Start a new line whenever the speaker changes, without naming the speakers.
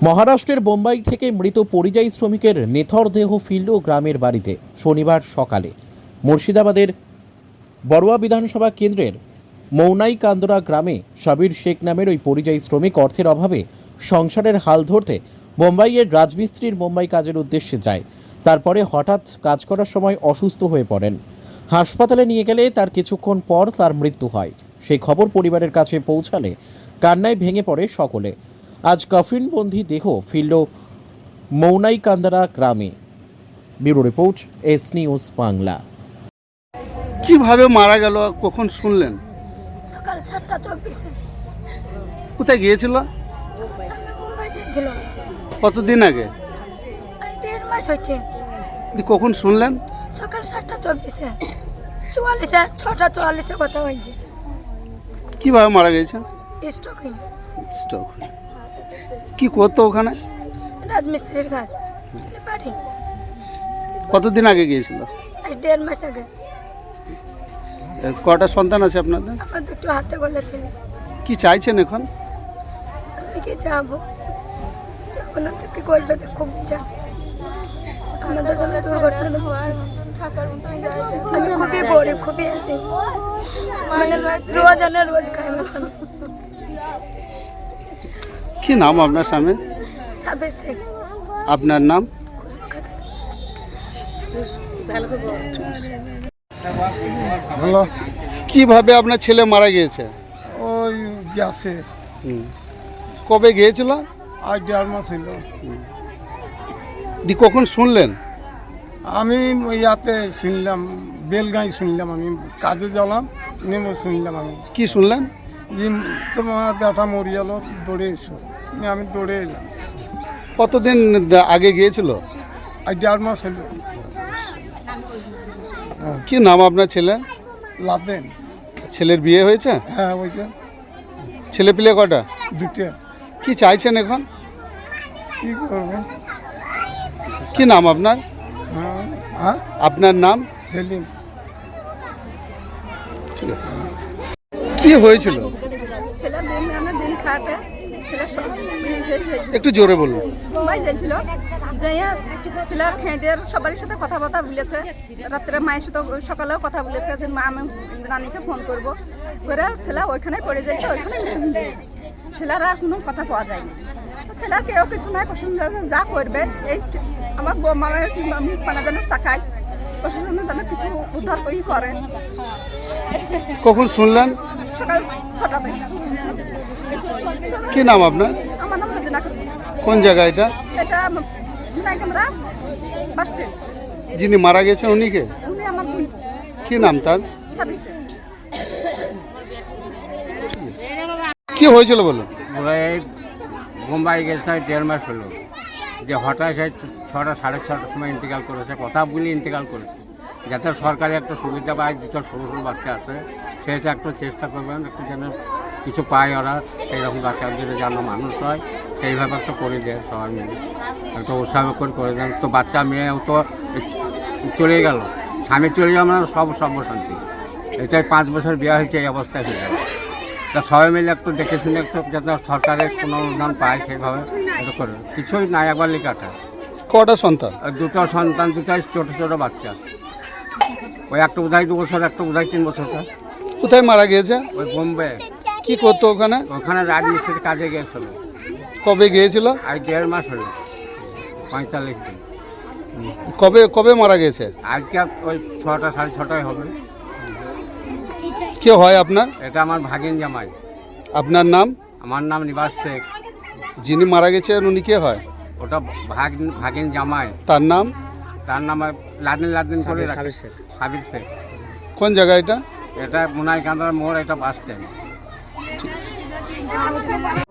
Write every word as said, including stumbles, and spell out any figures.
মহারাষ্ট্রের বোম্বাই থেকে মৃত পরিযায়ী শ্রমিকের নেথর দেহ ফিরল গ্রামের বাড়িতে শনিবার সকালে। মুর্শিদাবাদের বড়ুয়া বিধানসভা কেন্দ্রের মৌনাই কান্দরা গ্রামে সাবির শেখ নামের ওই পরিযায়ী শ্রমিক অর্থের অভাবে সংসারের হাল ধরতে বোম্বাইয়ের রাজমিস্ত্রির মুম্বাই কাজের উদ্দেশ্যে যায়। তারপরে হঠাৎ কাজ করার সময় অসুস্থ হয়ে পড়েন। হাসপাতালে নিয়ে গেলে তার কিছুক্ষণ পর তার মৃত্যু হয়। সেই খবর পরিবারের কাছে পৌঁছালে কান্নায় ভেঙে পড়ে সকলে। আজ কফিনবন্দি দেহ ফিরল মৌনাই কান্দারা গ্রামে। Bureau report, S News Bangla.
কিভাবে মারা গেল কখন শুনলেন?
সকাল সাতটা চব্বিশে।
কোথায় গিয়েছিল?
সামনে মুম্বাই গিয়েছিল।
কতদিন আগে?
এই দেড় মাস হচ্ছে।
দিয়ে কখন শুনলেন?
সকাল সাতটা চব্বিশে, চুয়াল্লিশে ছটা চুয়াল্লিশে কথা হয়েছে।
কিভাবে মারা গেছে?
স্ট্রোকিং।
স্ট্রোক। কি করতো ওখানে?
রাজমিস্ত্রির কাজ বাড়ি।
কতদিন আগে গিয়েছিল?
আজ দেড় মাস আগে।
এ, কটা সন্তান আছে আপনাদের?
আমার দুটো হাতে গোলা ছেলে।
কি চাইছেন এখন?
আমি কি যাবো যাবো না তো কি করবে তো খুব ইচ্ছা। আমাদের সঙ্গে দুর্ঘটনা তো আমি খুবই গরিব, খুবই এতিম। মানে রোজ আনে রোজ খাই আমার স্বামী।
কি নাম আপনার স্বামী?
সাবির শেখ।
আপনার নাম?
খুশবু খাতুন।
হ্যালো,
কিভাবে আপনার ছেলে মারা গিয়েছে?
ওই গ্যাসে
হুম। কবে গিয়েছিল?
আজ দেড় মাস হইল।
দি কখন শুনলেন?
আমি ইয়াতে শুনলাম, বেলগাঁই শুনলাম, আমি কাজে গেলাম, নেমে শুনলাম আমি
কি শুনলেন?
যে তোমার বেটা মরি গেল, দৌড়ে এসো। নিয়ে আমি দৌড়ে এলাম।
কতদিন আগে গিয়েছিল?
আজ দেড় মাস হইল।
কি নাম আপনার ছেলে?
লাদেন।
ছেলের বিয়ে হয়েছে?
হ্যাঁ, ওইটা
ছেলে পিলে কটা?
দুটো।
কি চাইছেন এখন?
কী করবো?
কি নাম আপনার?
হ্যাঁ হ্যাঁ,
আপনার নাম?
সেলিম।
ঠিক আছে। কি হয়েছিল?
ছেলে দিন আনে দিন খাটে, ছেলে সব
একটু জোরে বলুন।
মুম্বাই যাইছিল, যাইয়া ছেলে খেঁদের সবারই সাথে কথাবার্তা বলেছে। রাত্রে মায়ের সাথে সকালেও কথা বলেছে যে মা আমি রানীকে ফোন করবো করে ছেলে ওইখানে পড়ে যাইছে, ওইখানে ছেলের আর কোনো কথা পাওয়া যায়নি। ছেলের কেউ কিছু নাই, প্রশাসন যা করবে এই আমার মায়ের মুখ পানা যেন তাকায়, প্রশাসন যেন কিছু উদ্ধার করি করে।
কখন শুনলেন?
সকাল ছটা থেকে।
কি নাম আপনার?
আমার নাম রোজিনা খাতুন।
কোন জায়গা এটা?
এটা মুম্বাই কান্দরা বাস স্ট্যান্ড।
যিনি মারা গেছেন উনি কে?
উনি আমার বোন।
কি নাম তার?
সাবির শেখ।
কি হয়েছিল বলুন?
ওরা এই মুম্বাই গেছে দেড় মাস হলো, যে হঠাৎ সেই ছটা সাড়ে ছটার সময় ইন্তেকাল করেছে। কথা বলে ইন্তেকাল করেছে, যাতে সরকারি একটা সুবিধা পায়। দুটো সরু সরু বাচ্চা আছে, সেটা একটু চেষ্টা করবেন, একটু যেন কিছু পায় ওরা, সেই রকম বাচ্চাদের যেন মানুষ হয় সেইভাবে একটা করে দেয় সবাই মিলে, একটা উৎসাহ করে করে দেন। তো বাচ্চা মেয়েও তো চলে গেল, স্বামী চলে যাওয়া মানে সব সর্বশান্তি। এটাই পাঁচ বছর বিয়ে হয়েছে, এই অবস্থায় হয়ে যাবে। তা সবাই মিলে একটু দেখে শুনে একটু যাতে সরকারের কোনো অনুদান পায় সেইভাবে একটু করে। কিছুই নাই, একবার লিখাটা।
কটা সন্তান?
আর দুটো সন্তান, দুটাই ছোটো ছোটো বাচ্চা। ওই একটা বোধহয় দু বছর, একটা বোধহয় তিন বছরটা।
কোথায় মারা গিয়েছে?
ওই বোম্বে।
কি করতো ওখানে?
ওখানে রাজমিস্ত্রির কাজে গিয়েছিল।
কবে গিয়েছিল?
আজ দেড় মাস হলো, পঁয়তাল্লিশ দিন।
কবে কবে মারা গেছে?
আজকে ওই ছটা সাড়ে ছটায় হবে।
কে হয় আপনার?
এটা আমার ভাগিন জামাই।
আপনার নাম?
আমার নাম নিবাস শেখ।
যিনি মারা গেছেন উনি কে হয়?
ওটা ভাগ ভাগিন জামাই।
তার নাম?
তার নাম লাদিন লাদিন করে সাবির শেখ। সাবির শেখ।
কোন জায়গা এটা?
এটা মুনাই কান্দার মোড়, এটা বাস স্ট্যান্ড।
ঠিক আছে।